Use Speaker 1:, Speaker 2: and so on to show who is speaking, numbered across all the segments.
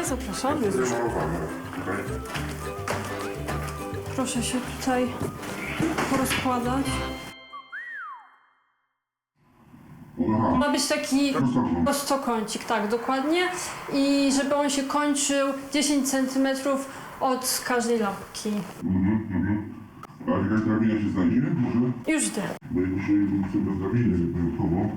Speaker 1: zapraszamy. Proszę się tutaj porozkładać. Ma być taki prostokącik, tak, dokładnie. I żeby on się kończył 10 cm od każdej lampki.
Speaker 2: A jakaś drabina się znajdzie? Może?
Speaker 1: Już idę.
Speaker 2: Bo ja dzisiaj chcę bez drabiny wyjątkowo.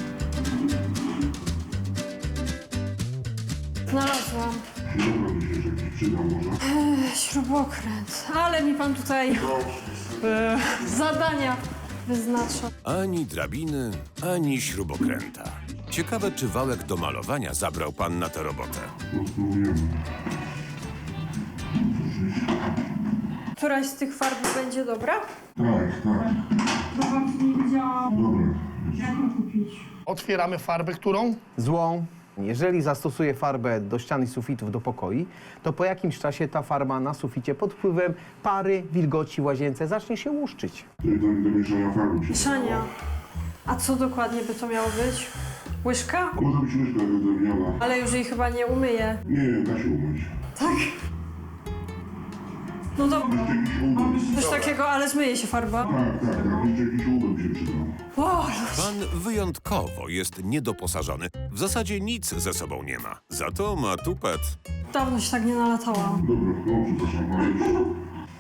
Speaker 1: Znalazłam.
Speaker 2: Dobra, mi się jakiś przydał może.
Speaker 1: Śrubokręt. Ale mi pan tutaj zadania wyznacza.
Speaker 3: Ani drabiny, ani śrubokręta. Ciekawe, czy wałek do malowania zabrał pan na tę robotę.
Speaker 2: Spróbujemy.
Speaker 1: Któraś z tych farb będzie dobra?
Speaker 2: Tak, tak.
Speaker 1: Bo wam nie wiedziałam,
Speaker 2: Dobra.
Speaker 1: jak ją kupić.
Speaker 4: Otwieramy farbę, którą?
Speaker 5: Złą. Jeżeli zastosuję farbę do ścian i sufitów do pokoi, to po jakimś czasie ta farba na suficie pod wpływem pary, wilgoci w łazience zacznie się łuszczyć.
Speaker 2: To jest do mieszania farby.
Speaker 1: Mieszania. A co dokładnie by to miało być? Łyżka?
Speaker 2: Może być łyżka jakaś drewniana.
Speaker 1: Ale już jej chyba nie umyję.
Speaker 2: Nie, da się umyć.
Speaker 1: Tak? No dobra.
Speaker 2: Jeszcze jakiś udem.
Speaker 1: Coś takiego, ale zmyje się farba.
Speaker 2: Tak, tak, tak. Jeszcze jakiś udem się przydał.
Speaker 1: O,
Speaker 3: Pan wyjątkowo jest niedoposażony. W zasadzie nic ze sobą nie ma. Za to ma tupet.
Speaker 1: dawno się tak nie nalatałam.
Speaker 2: Dobra, no przepraszam, ale już. Dobra.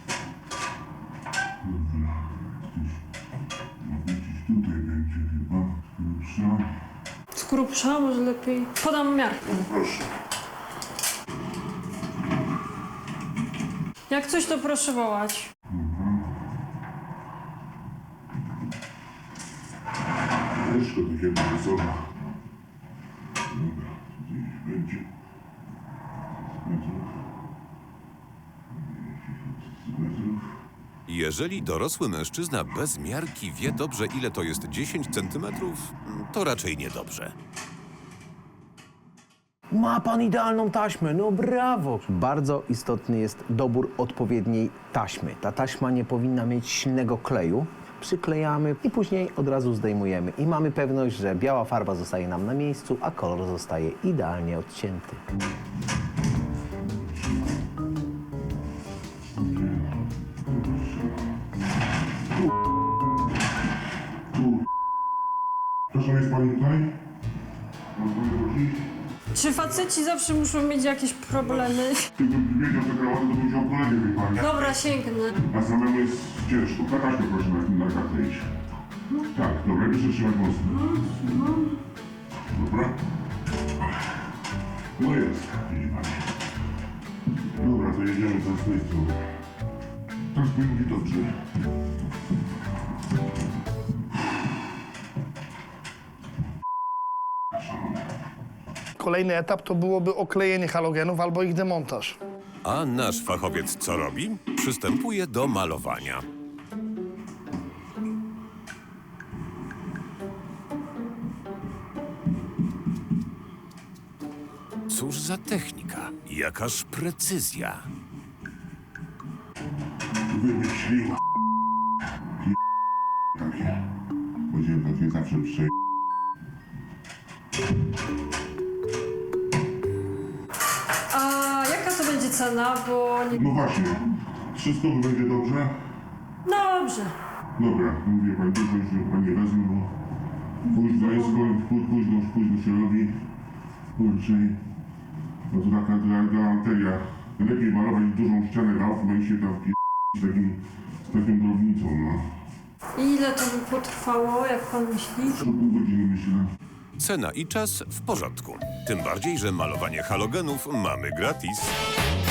Speaker 2: Tutaj będzie chyba grubsza.
Speaker 1: Z grubsza może lepiej. Podam miarkę.
Speaker 2: Proszę.
Speaker 1: Jak coś, to proszę wołać.
Speaker 2: Łyżka takiego wysoka. Dobra, tutaj będzie. Metrów.
Speaker 3: Jeżeli dorosły mężczyzna bez miarki wie dobrze, ile to jest 10 centymetrów, to raczej niedobrze.
Speaker 5: Ma pan idealną taśmę, no brawo! Bardzo istotny jest dobór odpowiedniej taśmy. Ta taśma nie powinna mieć silnego kleju. Przyklejamy i później od razu zdejmujemy. I mamy pewność, że biała farba zostaje nam na miejscu, a kolor zostaje idealnie odcięty.
Speaker 2: Proszę, jest pani tutaj? Mam panią prosić?
Speaker 1: Czy faceci zawsze muszą mieć jakieś problemy?
Speaker 2: Gdybym wiedział, że krawatę, to bym wziął kolegę, wie pani.
Speaker 1: Dobra, sięgnę.
Speaker 2: A samemu jest ciężko. Na taśmę proszę na kartę iść. Tak, dobra, proszę trzymać mocno. Dobra. No jest, widzi pani. Dobra, to jedziemy za z tej strony. Tak powinno być dobrze.
Speaker 4: Kolejny etap to byłoby oklejenie halogenów albo ich demontaż.
Speaker 3: A nasz fachowiec co robi? Przystępuje do malowania. Cóż za technika, jakaż precyzja.
Speaker 2: Wymyślił. Takie. Będziemy takie zawsze przejść.
Speaker 1: A jaka to będzie cena? Bo nie...
Speaker 2: No właśnie. 300 będzie dobrze?
Speaker 1: Dobrze.
Speaker 2: Dobra, mówię pani, dużo już pani wezmę, bo późno jest, późno się robi. Kurczę, no to taka galanteria. Lepiej malować dużą ścianę rałów, i się tam z taką drobnicą, no.
Speaker 1: I ile to by potrwało, jak pan myśli?
Speaker 2: Co pół godziny myślę.
Speaker 3: Cena i czas w porządku. Tym bardziej, że malowanie halogenów mamy gratis.